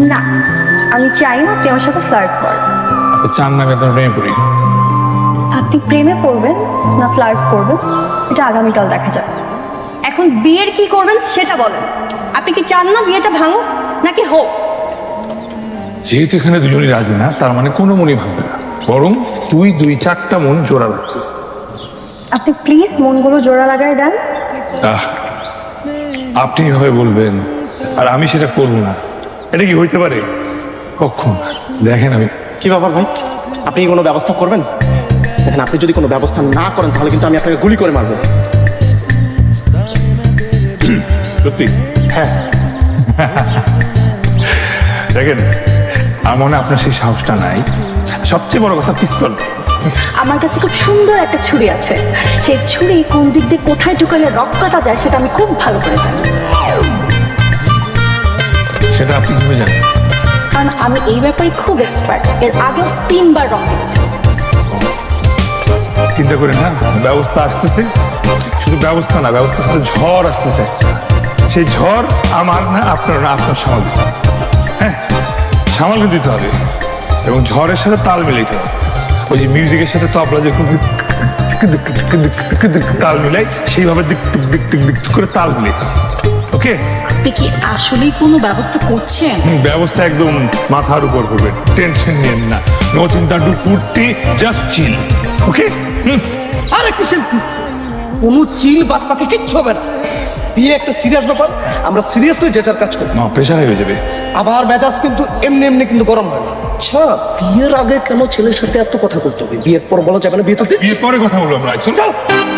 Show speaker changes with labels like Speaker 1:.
Speaker 1: না, আমি চাই না আপনি আমার সাথে ফ্লার্ট করেন।
Speaker 2: আপনি চান না আমি আপনার প্রেমে পড়ি?
Speaker 1: আপনি প্রেমে পড়বেন না ফ্লার্ট করবেন এটা আগামীকাল দেখা যাবে। এখন বিয়ের কি করবেন সেটা বলেন। আপনি কি চান না বিয়েটা ভাঙুক নাকি হোক?
Speaker 2: যেহেতু এখানে দুজনই রাজি না, তার মানে কোনো মনই ভাঙবে না, বরং তুই 2-4টা মন জোড়া রাখবি।
Speaker 1: আপনি প্লিজ মনগুলো জোড়া লাগায় দেন।
Speaker 2: আপনি এভাবে বলবেন আর আমি সেটা করবো না, এটা কি হইতে পারে? কখন দেখেন আমি
Speaker 3: কি ব্যাপার ভাই, আপনি কি কোনো ব্যবস্থা করবেন? দেখেন, আপনি যদি কোনো ব্যবস্থা না করেন তাহলে কিন্তু আমি আপনাকে গুলি করে মারবো।
Speaker 2: সত্যি
Speaker 3: হ্যাঁ,
Speaker 2: দেখেন আমার মনে হয় আপনার সেই সাহসটা নাই। সবচেয়ে বড় কথা পিস্তল।
Speaker 1: আমার কাছে খুব সুন্দর একটা ছুরি আছে, সেই ছুরি কোন দিক দিয়ে কোথায় ঢুকালে রক কাটা যায় সেটা আমি খুব ভালো করে জানি।
Speaker 2: সেটা আপনি কিভাবে জানেন?
Speaker 1: কারণ আমি এই ব্যাপারে খুব এক্সপার্ট, এর আগে 3বার রক কেটেছি।
Speaker 2: চিন্তা করেন না, ব্যবস্থা আসতেছে। শুধু ব্যবস্থা না, ব্যবস্থার সাথে ঝড় আসতেছে। সেই ঝড় আমার না, আপনার না, আপনার সামাল দিতে হবে। হ্যাঁ, সামাল দিতে হবে এবং ঝড়ের সাথে তাল মিলাইতে হবে। ওই যে মিউজিকের সাথে তবলা যখন তাল মিলাই, সেইভাবে দিক দিক দিক দিক করে তাল মিলাইতে হবে। ওকে,
Speaker 4: আপনি কি আসলেই কোনো ব্যবস্থা করছেন?
Speaker 2: ব্যবস্থা একদম মাথার উপর করবে, টেনশন নিয়েন না। নো চিন্তা, ডু ফুর্তি, জাস্ট চিল। ওকে?
Speaker 3: আরে কিসের কোনো চিল বাস পাখি কিচ্ছু হবে না। বিয়ে একটা সিরিয়াস ব্যাপার, আমরা সিরিয়াসলি যেটার কাজ করি।
Speaker 2: মা প্রেশার হয়ে যাবে।
Speaker 3: আবার মেজাজ কিন্তু এমনি এমনি কিন্তু গরম হয় না। আচ্ছা, বিয়ের আগে কেন ছেলের সাথে এত কথা বলতে হবে? বিয়ের পর বলা যাবে না বিয়ে তো
Speaker 2: বিয়ের পরে কথা বলবো আমরা। চল।